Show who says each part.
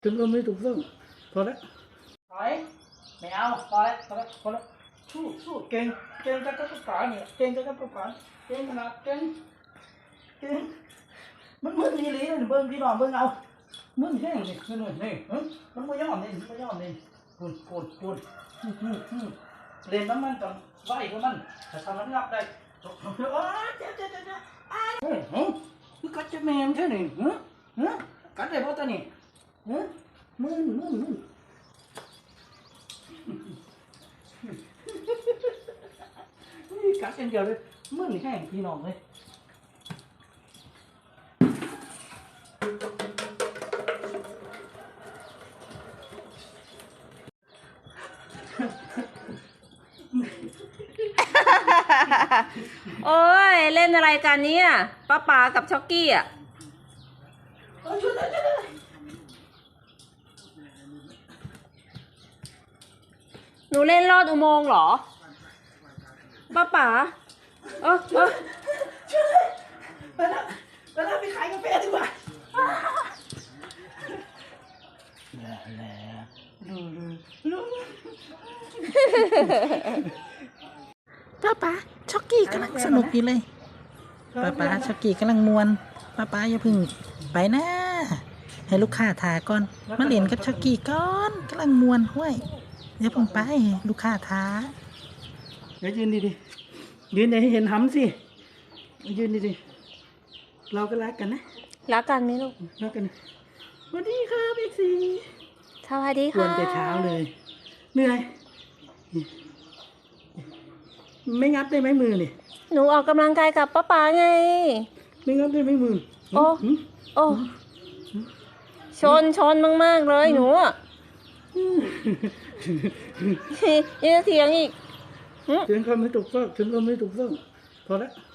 Speaker 1: ถึงก็ไม่ถูกต้องพอแล้วถอยไม่เอาพอแล้วพอแล้วพอแล้วสู้เก่งกับกระป๋าเนี่ยเก่งกับกระป๋าเก่งขนาดเก่งมันมึนอีหลีเลยเบิ้งพี่น้องเบิ้งเอามึนแห้งนี่นี่มันไม่ยอมนี่พูดเล่นน้ำมันต้องไหวกับมันแต่ทำมันงับได้เฮ้ยมึงกัดจะแมงใช่ไหมกัดได้เพราะตัวนี้มึนนี่กัดเป็นเดียวเลยมึนแห้งพี่น้องเลย
Speaker 2: โอ้ยเล่นอะไรกันเนี่ยป้าป๋ากับช็อกกี้อ่ะหนูเล่นลอดอุโมงค์เหรอป้าป๋า
Speaker 1: ช่วยไปแล้วไปขายกาแฟดีกว่า
Speaker 3: ป้าช็อกกี้กำลังสนุกอยู่เลยป้าช็อกกี้กำลังมวนป้าอย่าพึ่งไปนะให้ลูกค้าทาก่อนมาเล่นกับช็อกกี้ก่อนกำลังมวนห้วยอย่าพึ่งไปลูกค้าทา
Speaker 1: เดี๋ยวยืนดียืนให้เห็นหำสิยืนดีเราก็รักกันนะ
Speaker 2: รักกันไหมลูก
Speaker 1: รักกันสวัสดีครับเอ็กซี่
Speaker 2: สวัสดี
Speaker 1: กว
Speaker 2: ค่ะ
Speaker 1: นแต่เช้าเลยเหนื่อยไม่งับได้ไหมมือนี่
Speaker 2: หนูออกกำลังกายกับป้าป๋าไง
Speaker 1: ไม่งับได้ไหมมือ
Speaker 2: โอ้ชนมากๆเลยหนูอ่ะยังจะเถียงอีก
Speaker 1: ถึงก็ไม่ถูกต้องพอแล้ว